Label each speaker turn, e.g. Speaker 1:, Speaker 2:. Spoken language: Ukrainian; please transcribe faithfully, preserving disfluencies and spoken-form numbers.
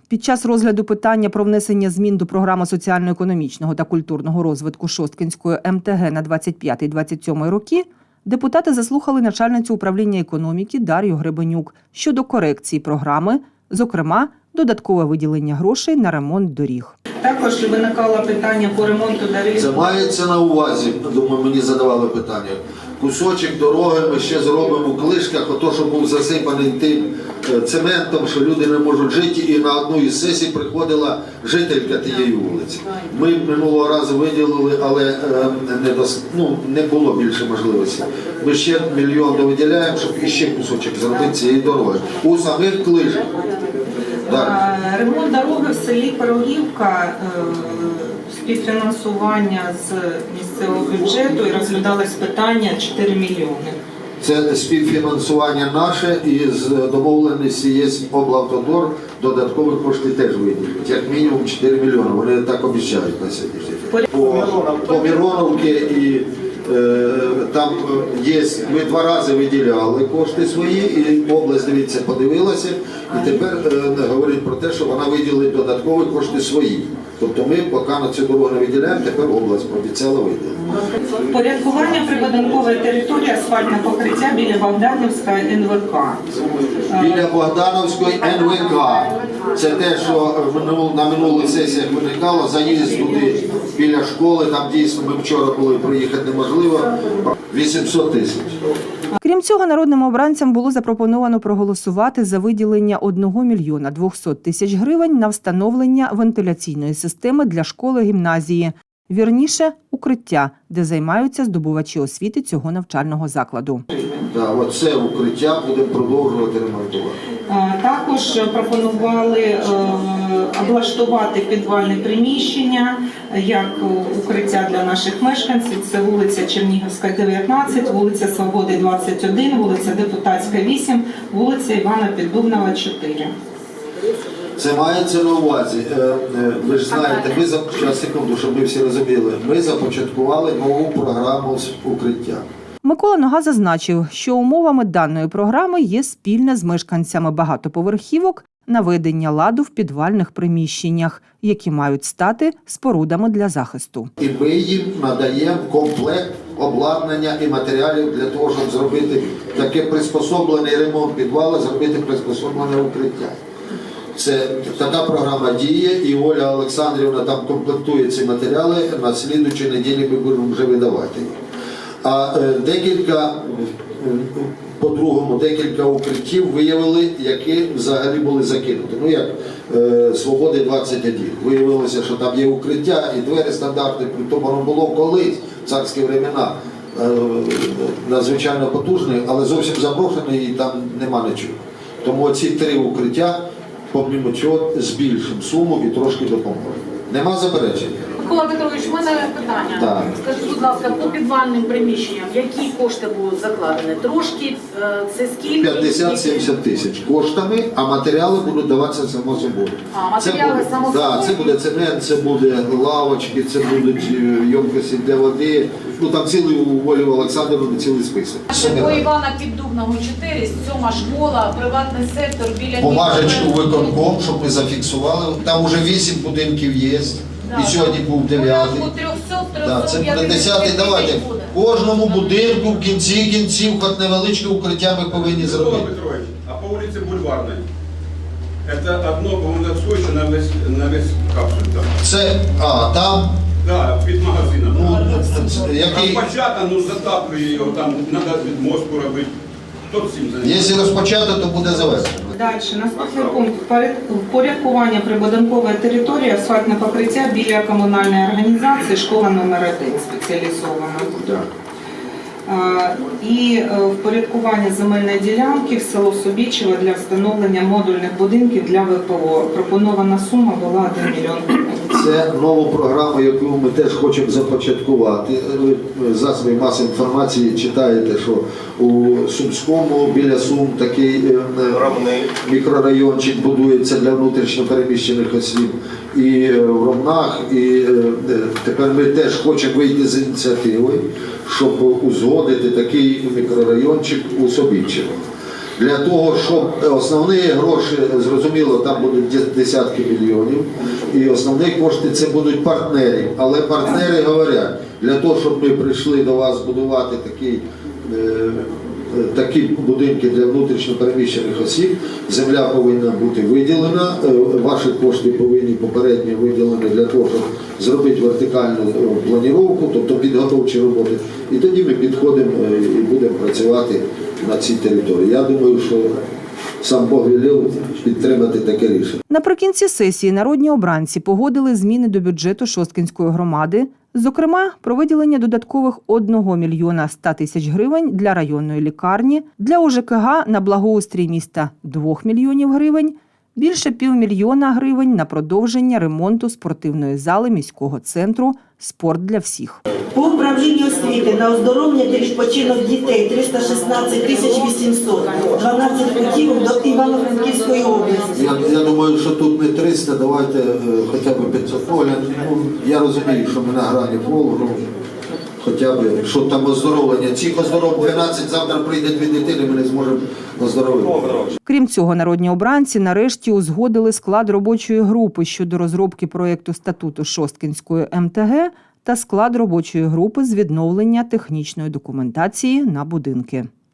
Speaker 1: Під час розгляду питання про внесення змін до програми соціально-економічного та культурного розвитку Шосткинської ем те ге на двадцять п'ятий - двадцять сьомий роки депутати заслухали начальницю управління економіки Дар'ю Гребенюк щодо корекції програми, зокрема, додаткове виділення грошей на ремонт доріг.
Speaker 2: Також виникало питання по ремонту доріг.
Speaker 3: Це мається на увазі, думаю, мені задавали питання. Кусочок дороги ми ще зробимо в Клишках, ото, що був засипаний тим цементом, що люди не можуть жити, і на одну із сесій приходила жителька тієї вулиці. Ми минулого разу виділили, але не, дос... ну, не було більше можливості. Ми ще мільйон довиділяємо, щоб іще кусочок зробити цієї дороги. У самих Клишках.
Speaker 2: Ремонт дороги в селі Пирогівка, співфінансування з місцевого бюджету, і розглядалось питання чотири мільйони.
Speaker 3: Це співфінансування наше, і з домовленості є облавтодор, додаткові кошти теж виділять, як мінімум чотири мільйони, вони так обіцяють на сьогоднішній день. По, по Мироновці і е, там є, ми два рази виділяли кошти свої, і область, дивіться, подивилася, і тепер е, говорить про те, що вона виділить додаткові кошти свої. Тобто ми поки на цю дорогу не виділяємо, тепер область пообіцяла виділити.
Speaker 2: Порядкування прибудинкової території, асфальтне покриття біля Богданівської ен ве ка.
Speaker 3: Біля Богдановської ен ве ка. Це те, що на минулих сесіях виникало, заїзд туди біля школи, там дійсно ми вчора були, проїхати неможливо, вісімсот тисяч.
Speaker 1: Крім цього, народним обранцям було запропоновано проголосувати за виділення одного мільйона двохсот тисяч гривень на встановлення вентиляційної системи для школи-гімназії, вірніше, укриття, де займаються здобувачі освіти цього навчального закладу.
Speaker 3: Так, оце укриття будемо продовжувати ремонтувати.
Speaker 2: Також пропонували облаштувати підвальне приміщення як укриття для наших мешканців. Це вулиця Чернігівська, дев'ятнадцять, вулиця Свободи, двадцять один, вулиця Депутатська, вісім, вулиця Івана Піддубного, чотири.
Speaker 3: Це мається на увазі. Ви ж знаєте, ми за час секунду, щоб ми всі розуміли, ми започаткували нову програму з укриття.
Speaker 1: Микола Нога зазначив, що умовами даної програми є спільне з мешканцями багатоповерхівок наведення ладу в підвальних приміщеннях, які мають стати спорудами для захисту.
Speaker 3: І ми їм надаємо комплект обладнання і матеріалів для того, щоб зробити таке приспособлений ремонт підвалу, зробити приспособлене укриття. Це така програма діє, і Оля Олександрівна там комплектує ці матеріали, на слідуючій неділі ми будемо вже видавати їх. А декілька, по-другому, декілька укриттів виявили, які взагалі були закинуті. Ну як Свободи двадцять один. Виявилося, що там є укриття і двері стандартні, то воно було колись, в царські времена, надзвичайно потужне, але зовсім заброшене і там нема нічого. Тому ці три укриття, помимо цього, збільшимо суму і трошки допоможемо. Нема заперечень?
Speaker 4: Микола Петрович, у мене питання.
Speaker 3: Так.
Speaker 4: Скажіть, будь ласка, по підвальним приміщенням, які кошти будуть закладені? Трошки, це скільки?
Speaker 3: п'ятдесят-сімдесят тисяч коштами, а матеріали будуть даватися само собою.
Speaker 4: А, матеріали
Speaker 3: це буде,
Speaker 4: само собою?
Speaker 3: Да, це буде цемент, це буде лавочки, це будуть ємкості для води. Ну там цілий у Волі Олександрівни цілий список.
Speaker 4: По Івана Піддубного чотири, сьома школа, приватний сектор біля...
Speaker 3: Бумажечку виконком, щоб ми зафіксували. Там вже вісім будинків є.
Speaker 4: Да,
Speaker 3: І сьогодні
Speaker 4: да.
Speaker 3: був дев'ятий. Да, це буде десятий. Давайте кожному будинку в кінці кінців, хоч невеличке укриття ми повинні зробити.
Speaker 5: Микола Петрович, а по вулиці Бульварної? Це одно, по-моєму, схоже на весь, на весь капсуль там.
Speaker 3: Це, а, там,
Speaker 5: Да, під магазином.
Speaker 3: ну, який...
Speaker 5: Розпочата, ну затаплює його, там треба від мозку робити. Хто цим займається?
Speaker 3: Якщо розпочати, то буде завершено.
Speaker 2: Далі, наступний пункт. Впорядкування прибудинкової території, асфальтне покриття біля комунальної організації, школа номер один спеціалізована. І впорядкування земельної ділянки в село Собічево для встановлення модульних будинків для ве пе о. Пропонована сума була один мільйон гривень.
Speaker 3: Це нову програму, яку ми теж хочемо започаткувати. Ви в засобі маси інформації читаєте, що у Сумському біля Сум такий мікрорайончик будується для внутрішньо переміщених осіб. І в Ромнах, і тепер ми теж хочемо вийти з ініціативою, щоб узгодити такий мікрорайончик у Собічево. Для того, щоб основні гроші, зрозуміло, там будуть десятки мільйонів, і основні кошти це будуть партнери. Але партнери говорять, для того, щоб ми прийшли до вас будувати такі, е, такі будинки для внутрішньо переміщених осіб, земля повинна бути виділена, е, ваші кошти повинні попередньо виділені для того, щоб зробити вертикальну планіровку, тобто підготовчі роботи. І тоді ми підходимо е, і будемо працювати на цій території. Я думаю, що сам Бог велів підтримати таке рішення.
Speaker 1: Наприкінці сесії народні обранці погодили зміни до бюджету Шосткинської громади, зокрема, про виділення додаткових одного мільйона ста тисяч гривень для районної лікарні, для О Ж К Г на благоустрій міста двох мільйонів гривень, більше півмільйона гривень на продовження ремонту спортивної зали міського центру «Спорт для всіх».
Speaker 6: По управлінню освіти на оздоровлення та відпочинок дітей триста шістнадцять тисяч вісімсот, дванадцять путівок до Івано-Франківської області.
Speaker 3: Я, я думаю, що тут не триста, давайте е, хоча б п'ятсот. Оля, ну, я розумію, що ми на грані фолу, ну, хоча б, що там оздоровлення. Цих оздоров дванадцять, завтра прийде дві дитини, ми не зможемо оздоровити.
Speaker 1: Крім цього, народні обранці нарешті узгодили склад робочої групи щодо розробки проєкту статуту Шосткинської Ем Те Ге та склад робочої групи з відновлення технічної документації на будинки.